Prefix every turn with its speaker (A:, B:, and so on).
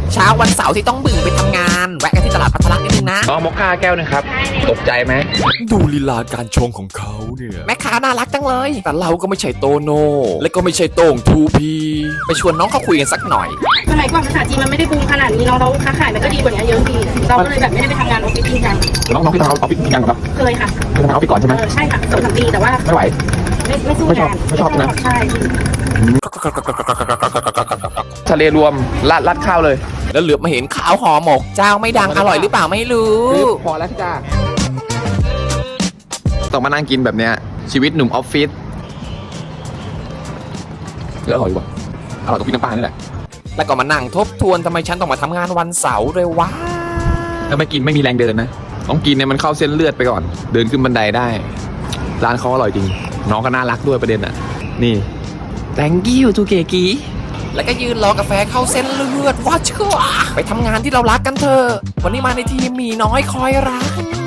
A: เช้าวันเสาร์ที่ต้องบึ่งไปทำงานแวะกันที่ตลาดพัทลักนิดนึงนะ
B: อ๋อมอคค่าแก้วนึงครับตกใจไหม
C: ดูลีลาการชงของเขาเนี่ย
A: แม่ค้าน่ารักจังเลย
C: แต่เราก็ไม่ใช่โตโน่และก็ไม่ใช่โต้งทูพี
A: ไปชวนน้องเขาคุยกันสักหน่อย
D: สมัยก่อนภาษาจีนมันไม่ได้บูมขนาดนี้เราค้าขายมันก็ดีกว่านี้เยอะดีเราก็เลยแบบไม่ได้ไปทำงานออฟฟิศจริงจัง
B: น้องที่ทำออฟฟิศยังครับ
D: เคยค่ะ
B: ทำออฟฟิศก่อนใช่ไหม
D: ใช่ค่ะ2-3 ปีแต่ว่า
B: ไม่ไหว
D: ไม่สู้งาน
B: ไม่ชอบนะ
D: ใช่
B: ทะเลรวมรัดข้าวเลย
A: แล้วเหลือบมาเห็นข้าวห่อหมก เจ้าไม่ดังอร่อยหรือเปล่าไม่รู้
B: พอแล้วจ้าต้องมานั่งกินแบบเนี้ยชีวิตหนุ่มออฟฟิศอร่อยกว่าอร่อยกว่าพี่น้ำปลานี่แหละ
A: แล้วก็มานั่งทบทวนทำไมฉันต้องมาทำงานวันเสาร์เลยวะ
B: ถ้าไม่กินไม่มีแรงเดินนะต้องกินเนี่ยมันเข้าเส้นเลือดไปก่อน เดินขึ้นบันไดได้ ร้านเขาอร่อยจริง น้องก็น่ารักด้วยประเด็นอ่ะ นี่ thank you ทูเกกี
A: แล้วก็ยืนรอกาแฟเข้าเส้นเลือดว่าเชื่อไปทำงานที่เรารักกันเถอะวันนี้มาในทีมหมีน้อยคอยรัก